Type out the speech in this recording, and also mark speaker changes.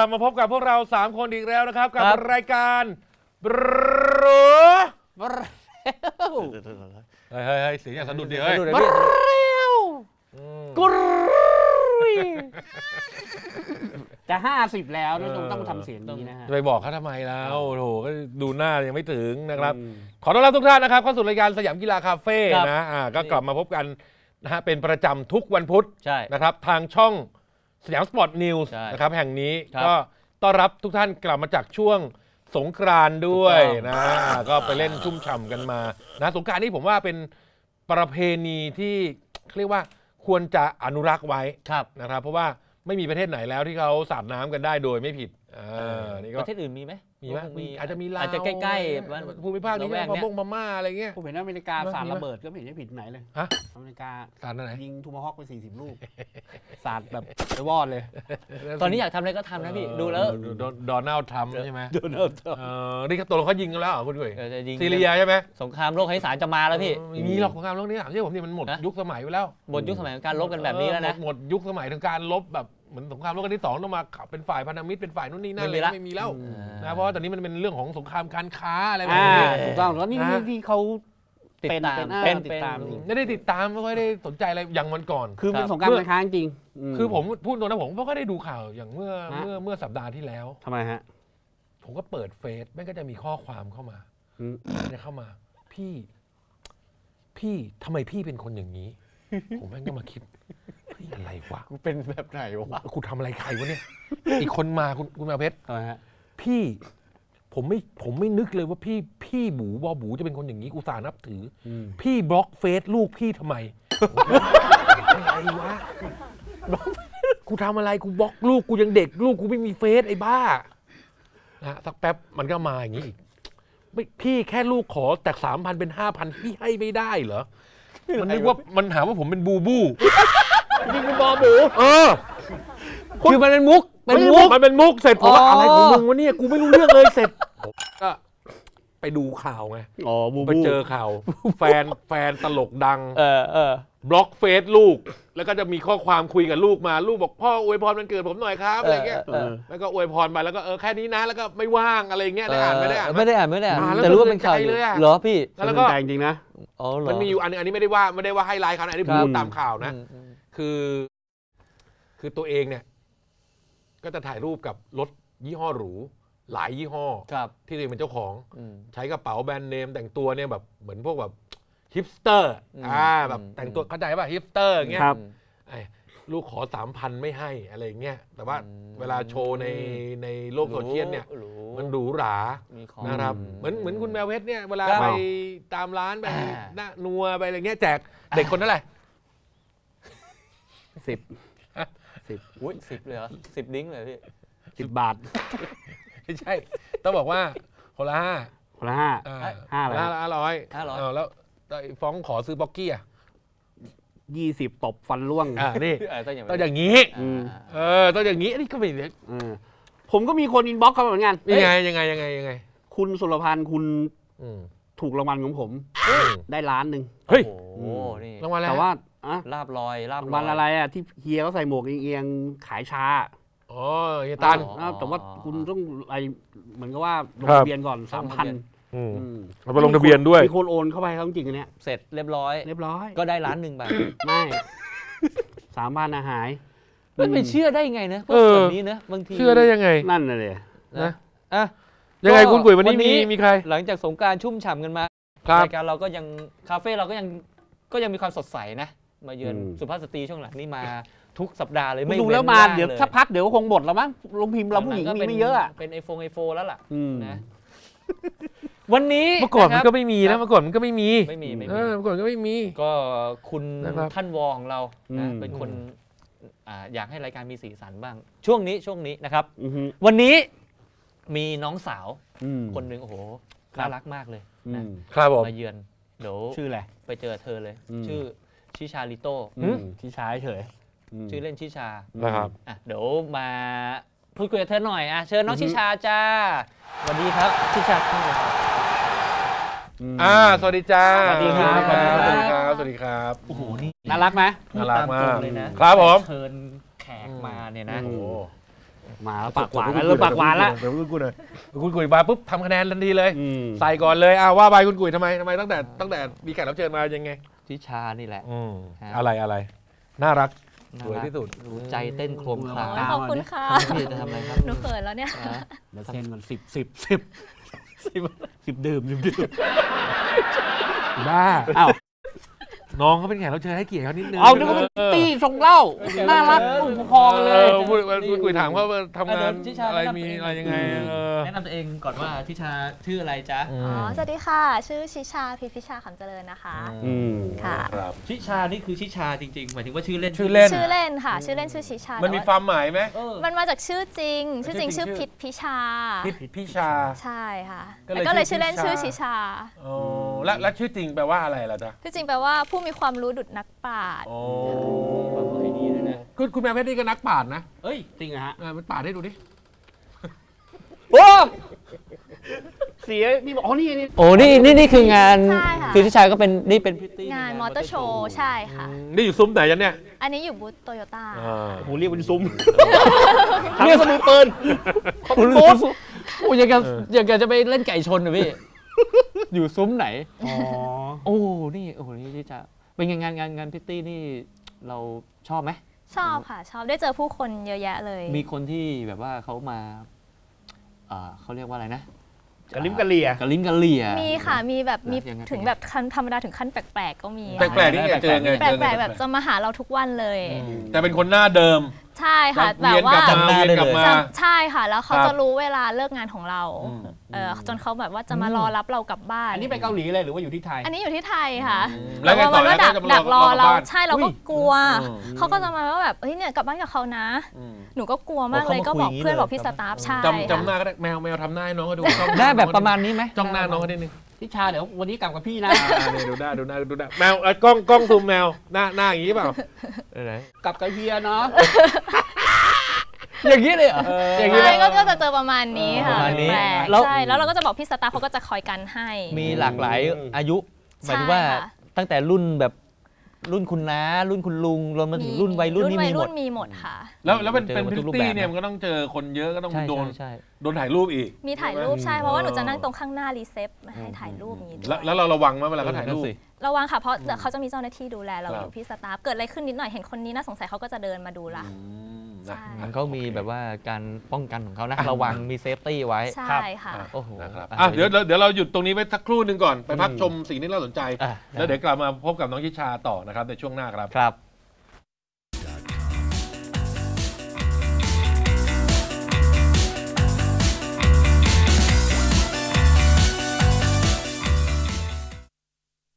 Speaker 1: ลับมาพบกับพวกเรา3คนอีกแล้วนะครับกับรายการบเฮ้ยเสียงอย่างสะดุดดิเฮ้ย
Speaker 2: กุยจะ50แล้วนะต้องทำเสียงนี้นะฮะ
Speaker 1: ไปบอกเขาทำไมแล้วโถก็ดูหน้ายังไม่ถึงนะครับขอต้อนรับทุกท่านนะครับเข้าสู่รายการสยามกีฬาคาเฟ่นะก็กลับมาพบกันนะฮะเป็นประจำทุกวันพุธนะครับทางช่องสยามสปอร์ตนิวส์นะครับแห่งนี้ก็ต้อนรับทุกท่านกลับมาจากช่วงสงกรานต์ด้วยนะก็ไปเล่นชุ่มฉ่ำกันมานะสงกรานต์นี่ผมว่าเป็นประเพณีที่เรียกว่าควรจะอนุรักษ์ไว้นะครับเพราะว่าไม่มีประเทศไหนแล้วที่เขาสาดน้ำกันได้โดยไม่ผิดนี่ก็
Speaker 3: ประเทศอื่นมีไหม
Speaker 1: อาจจะมีลาว
Speaker 3: อาจจะใกล้ๆ
Speaker 1: ภูมิภาคนี้พม่าอะไรเงี้ย
Speaker 2: ผมเห็นอเมริกาสาดระเบิดก็ไม่เห็นจะผิดไหนเลยอเมริกา
Speaker 1: สาดไหน
Speaker 2: ยิงทูมาฮอคไป40 ลูกสาดแบบไปวอดเลย
Speaker 3: ตอนนี้อยากทำอะไรก็ทำนะพี่ดูแล้ว
Speaker 1: โดนัลด์ทรัมป์ใช่ไหม
Speaker 2: โดนัลด์ทรัมป์
Speaker 1: นี่ตัวเขายิงกันแล้วเหรอคุณกุ้ยซีเรียใช่ไหม
Speaker 3: สงครามโลกให้สารจะมาแล้วพี่
Speaker 1: มีหรอกสงครามโลกนี้ถามใช่ผมนี่มันหมดยุคสมัยไปแล้ว
Speaker 3: หมดยุคสมัยของการลบกันแบบนี้แล้วนะ
Speaker 1: หมดยุคสมัยของการลบแบบเหมือนสงครามโลกครั้งที่2ต้องมาเป็นฝ่ายพันธมิตรเป็นฝ่ายนู่นนี่นั่นเลยไม่มีแล้วนะเพราะตอนนี้มันเป็นเรื่องของสงครามการค้าอะไรแบบนี้
Speaker 2: ถูกต้องแล้วนี่ที่เขาติดตาม
Speaker 1: ไม่ได้ติดตามไม่ค่อยได้สนใจอะไรอย่างวันก่อน
Speaker 2: คือเป็นสงครามการค้าจริง
Speaker 1: คือผมพูดตรงนะผมก็ได้ดูข่าวอย่างเมื่อสัปดาห์ที่แล้ว
Speaker 2: ทำไมฮะ
Speaker 1: ผมก็เปิดเฟซแม่งก็จะมีข้อความเข้ามาเนี่ยเข้ามาพี่ทำไมพี่เป็นคนอย่างนี้ผมแม่งก็มาคิดอะไรวะ
Speaker 2: กูเป็นแบบไหนวะ
Speaker 1: กูทำอะไรใครวะเนี่ยอีกคนมาคุณแมวเพชรพี่ผมไม่นึกเลยว่าพี่บูบอบูจะเป็นคนอย่างนี้กูสานับถือพี่บล็อกเฟซลูกพี่ทำไมอะไรวะกูทำอะไรกูบล็อกลูกกูยังเด็กลูกกูไม่มีเฟซไอ้บ้านะสักแป๊บมันก็มาอย่างนี้อีกพี่แค่ลูกขอจาก 3,000 เป็น 5,000 พี่ให้ไม่ได้เหรอมันนึกว่ามันหาว่าผมเป็นบูบู
Speaker 2: นี่คือบอบู
Speaker 3: คือมันเป็นมุก
Speaker 1: มันเป็นมุกเสร็จผมว่าอะไรของมึงวะเนี่ยกูไม่รู้เรื่องเลยเสร็จก็ไปดูข่าวไงไปเจอข่าวแฟนตลกดังบล็อกเฟซลูกแล้วก็จะมีข้อความคุยกับลูกมาลูกบอกพ่ออวยพรวันเกิดผมหน่อยครับอะไรเงี้ยแล้วก็อวยพรไปแล้วก็แค่นี้นะแล้วก็ไม่ว่างอะไรเงี้ยได้อ่านไม่ได้อ่าน
Speaker 3: แต่รู้ว่าเป็นข่าวเหรอพี่
Speaker 1: แล้วก็
Speaker 2: จริงนะ
Speaker 1: มันมีอยู่อันนี้ไม่ได้ว่าให้ไลน์เขาอันนี้ผมพูดตามข่าวนะคือตัวเองเนี่ยก็จะถ่ายรูปกับรถยี่ห้อหรูหลายยี่ห้อที่ตัวเองเป็นเจ้าของใช้กระเป๋าแบรนด์เนมแต่งตัวเนี่ยแบบเหมือนพวกแบบฮิปสเตอร์แบบแต่งตัวเข้าใจป่ะฮิปสเตอร์เงี้ยลูกขอ 3,000 ไม่ให้อะไรเงี้ยแต่ว่าเวลาโชว์ในโลกโซเชียลเนี่ยมันหรูหรานะครับเหมือนคุณแมวเพชรเนี่ยเวลาไปตามร้านไปนัวไปอะไรเงี้ยแจกเด็กคนนั้นแหละ
Speaker 3: 10อุ้ย10เลยเหรอ10 ดิ้งเลยพี่
Speaker 2: 10 บาท
Speaker 1: ไม่ใช่ต้องบอกว่าคนละ5
Speaker 2: คนละ5
Speaker 1: แล้วฟ้องขอซื้อบ็อกกี้อ่ะ
Speaker 2: 20ตบฟันร่วง
Speaker 1: นี่ต้องอย่างนี้ต้องอย่างนี้นี่ก็ไม่เล็ก
Speaker 2: ผมก็มีคนอินบ็อกซ์เขาเหมือนกัน
Speaker 1: ยังไง
Speaker 2: คุณสุรพันธ์คุณถูกรางวัลของผมได้1 ล้าน
Speaker 1: เฮ้ย
Speaker 3: นี่
Speaker 1: รางวัลอะไร
Speaker 2: แต่ว่า
Speaker 3: ลาบลอย
Speaker 2: วันอะไรอ่ะที่เฮียเขาใส่หมวกเอียงขายชา
Speaker 1: เฮียตัน
Speaker 2: แต่ว่าคุณต้องอะไรเหมือนกับว่าลงทะเบียนก่อน 3,000
Speaker 1: เราไปลงทะเบียนด้วย
Speaker 2: มีคนโอนเข้าไปเขาจริงอันเนี้ย
Speaker 3: เสร็จเรียบร้อยก็ได้1 ล้านบาท
Speaker 2: ไม่ 3,000หาย
Speaker 3: ไม่ไปเชื่อได้ยังไงนะแบบนี้นะบางที
Speaker 1: เชื่อได้ยังไง
Speaker 2: นั่นน่ะเลย
Speaker 1: นะยังไงคุณกุ๋ยวันนี้มีใคร
Speaker 3: หลังจากสงกรานต์ชุ่มฉ่ำกันมารายการเราก็ยังคาเฟ่เราก็ยังมีความสดใสนะมาเยือนสุภาพสตรีช่วงหลังนี่มาทุกสัปดาห์เลยไม่
Speaker 2: ดูแล้วมาเดี๋ยวสักพักเดี๋ยวคงหมดแล้วมั้งลงพิมพ์เราผู้หญิงมีไม่เยอะอ่ะ
Speaker 3: เป็นไอโฟนแล้วล่ะนะวันนี้
Speaker 1: เมื่อก่อนมันก็ไม่มีนะเมื่อก่อนมันก็ไม่มีเมื่อก่อนก็ไม่มี
Speaker 3: ก็คุณท่านวอของเรานะเป็นคนอยากให้รายการมีสีสันบ้างช่วงนี้นะครับวันนี้มีน้องสาวคนหนึ่งโอ้โหน่ารักมากเลย
Speaker 1: นะครับผม
Speaker 3: มาเยือนเดี๋ยว
Speaker 2: ชื่ออะไร
Speaker 3: ไปเจอเธอเลยชื่อชิชาลิโต้
Speaker 2: ชิชาเฉย
Speaker 3: ชื่อเล่นชิชา
Speaker 1: นะครับ
Speaker 3: เดี๋ยวมาพูดคุยกับเธอหน่อยเชิญน้องชิชาจ้าสวัสดีครับชิชา
Speaker 1: สวัสดีจ้า
Speaker 2: สวัสดีครับ
Speaker 1: สวัสดีครับ
Speaker 3: โอ้โหนี่
Speaker 2: น่ารักไหม
Speaker 1: น่ารักมาก
Speaker 3: เลยนะครับ
Speaker 1: ผม
Speaker 3: เชิญแขกมาเนี่ยนะ
Speaker 1: โอ้
Speaker 2: มาปากหวานแล้วปากหวานแล้ว
Speaker 1: คุณกุยหน่อยคุณกุยมาปุ๊บทำคะแนนทันทีเลยใส่ก่อนเลยว่าไปคุณกุยทำไมตั้งแต่มีแขกรับเชิญมายังไง
Speaker 3: ทิชานี่แหละ
Speaker 1: อะไรน่ารักสวยที่สุด
Speaker 3: ใจเต้นโครมคลา
Speaker 4: ขอบคุณค่ะ
Speaker 3: พี่จะทำอะไรครับ
Speaker 4: หนูเขินแล้วเนี่ย
Speaker 2: เดี๋ยวเซ็นก่อน10ดื่ม
Speaker 1: บ้าอ้าวน้องเขาเป็นแขกรับเชิญให้เกียรติเขานิดนึง
Speaker 2: เอาดูเขาเป็นตีส่งเล่าน่ารักผู้ปกครองเลย
Speaker 1: คุยถามว่าทำงานอะไรมีอะไรยังไง
Speaker 3: แนะนำตัวเองก่อนว่าทิชาชื่ออะไรจ๊ะ
Speaker 4: สวัสดีค่ะชื่อชิชาพิชาขำเจริญนะคะค่ะ
Speaker 3: ชิชานี่คือชิชาจริงๆหมายถึงว่าชื่อเล่น
Speaker 4: ค่ะชื่อเล่นชื่อชิชา
Speaker 1: มันมีความหมายไหม
Speaker 4: มันมาจากชื่อจริงชื่อพิชา
Speaker 1: พิชา
Speaker 4: ใช่ค่ะก็เลยชื่อเล่นชื่อชิชา
Speaker 1: แล้วชื่อจริงแปลว่าอะไรล่ะจ๊ะ
Speaker 4: ชื่อจริงแปลว่าผู้มีความรู้ดุจนักปราชญ์
Speaker 1: คุณแม่เพชรนี่ก็นักปราชญ์นะ
Speaker 2: เฮ้ยจริงเหรอฮะ
Speaker 1: มันปราชญ์ให้ดูดิ
Speaker 2: โอ้เสียนี่บอกนี่
Speaker 3: โอ้นี่คืองานคือที่ชายก็เป็นนี่เป็นพิตตี้
Speaker 4: งานมอเตอร์โชว์ใช่ค่ะ
Speaker 1: นี่อยู่ซุ้มไหนยันเนี่ย
Speaker 4: อันนี้อยู่บูธโตโยต้า
Speaker 2: โหเรียกเป็นซุ้มเรียกสนุกเปิล
Speaker 3: บูธโอ้ยอยากจะไปเล่นไก่ชนนะพี่อยู่ซุ้มไหนโอ้นี่ที่จะเป็นงานพิตตี้นี่เราชอบไหม
Speaker 4: ชอบค่ะชอบได้เจอผู้คนเยอะแยะเลย
Speaker 3: มีคนที่แบบว่าเขามาเขาเรียกว่าอะไรนะ
Speaker 2: กะลิ้มกะเหลี่ย
Speaker 4: มีค่ะมีแบบมีถึงแบบธรรมดาถึงขั้นแปลกๆก็มี
Speaker 1: แปลกๆนี่เจอไง
Speaker 4: แปลกๆแบบจะมาหาเราทุกวันเลย
Speaker 1: แต่เป็นคนหน้าเดิม
Speaker 4: ใช่ค่ะแบบว่าใช่ค่ะแล้วเขาจะรู้เวลาเลิกงานของเราจนเขาแบบว่าจะมารอรับเรากลับบ้าน
Speaker 2: อันนี้ไปเกาหลีเลยหรือว่าอยู่ที่ไทย
Speaker 4: อันนี้อยู่ที่ไทยค่ะแล้ววันว่าดักรอเราใช่เราก็กลัวเขาก็จะมาว่าแบบเฮ้ยเนี่ยกลับบ้านกับเขานะหนูก็กลัวมากเลยก็บอกเพื่อนบอกพี่สตาฟใช่
Speaker 1: จำหน้าก็ได้แมวทำหน้าให้น้องก็ดู
Speaker 3: ได้แบบประมาณนี้ไหม
Speaker 1: จ้องหน้าน้องก็ได้นึง
Speaker 2: ทิชาเดี๋ยววันนี้กลับกับพี่นะ
Speaker 1: ดูได้แมวกล้องซูมแมวหน้าอย่างนี้เปล่า
Speaker 2: ไหนกลับกับเฮียเนาะ
Speaker 3: อย่างนี้เลยเหรอ
Speaker 4: อย่างนี้ก็จะเจอประมาณนี้ค่ะใช่แล้วเราก็จะบอกพี่สตาฟเขาก็จะคอยกันให้
Speaker 3: มีหลากหลายอายุหมายถึงว่าตั้งแต่รุ่นแบบรุ่นคุณน้ารุ่นคุณลุงรวมมาถึงรุ่นวัยรุ่นนี่
Speaker 4: มีหมดค่ะ
Speaker 1: แล้วเป็นพริตตี้เนี่ยมันก็ต้องเจอคนเยอะก็ต้องโดนถ่ายรูปอีก
Speaker 4: มีถ่ายรูปใช่เพราะว่าหนูจะนั่งตรงข้างหน้ารีเซพมาให้ถ่ายรูปอย่างนี้
Speaker 1: แล้วเราระวังไหมเวลาเขาถ่ายรูประ
Speaker 4: วังค่ะเพราะเขาจะมีเจ้าหน้าที่ดูแลเราอยู่พี่สตาฟเกิดอะไรขึ้นนิดหน่อยเห็นคนนี้น่าสงสัยเขาก็จะเดินมาดูละ
Speaker 3: เขามีแบบว่าการป้องกันของเขานะระวังมีเซฟตี้ไว้
Speaker 4: ใช่ค่ะ
Speaker 3: โอ้โห
Speaker 1: เดี๋ยวเราหยุดตรงนี้ไว้สักครู่หนึ่งก่อนไปพักชมสิ่งที่น่าสนใจแล้วเดี๋ยวกลับมาพบกับน้องชิชาต่อนะครับในช่วงหน้าครับ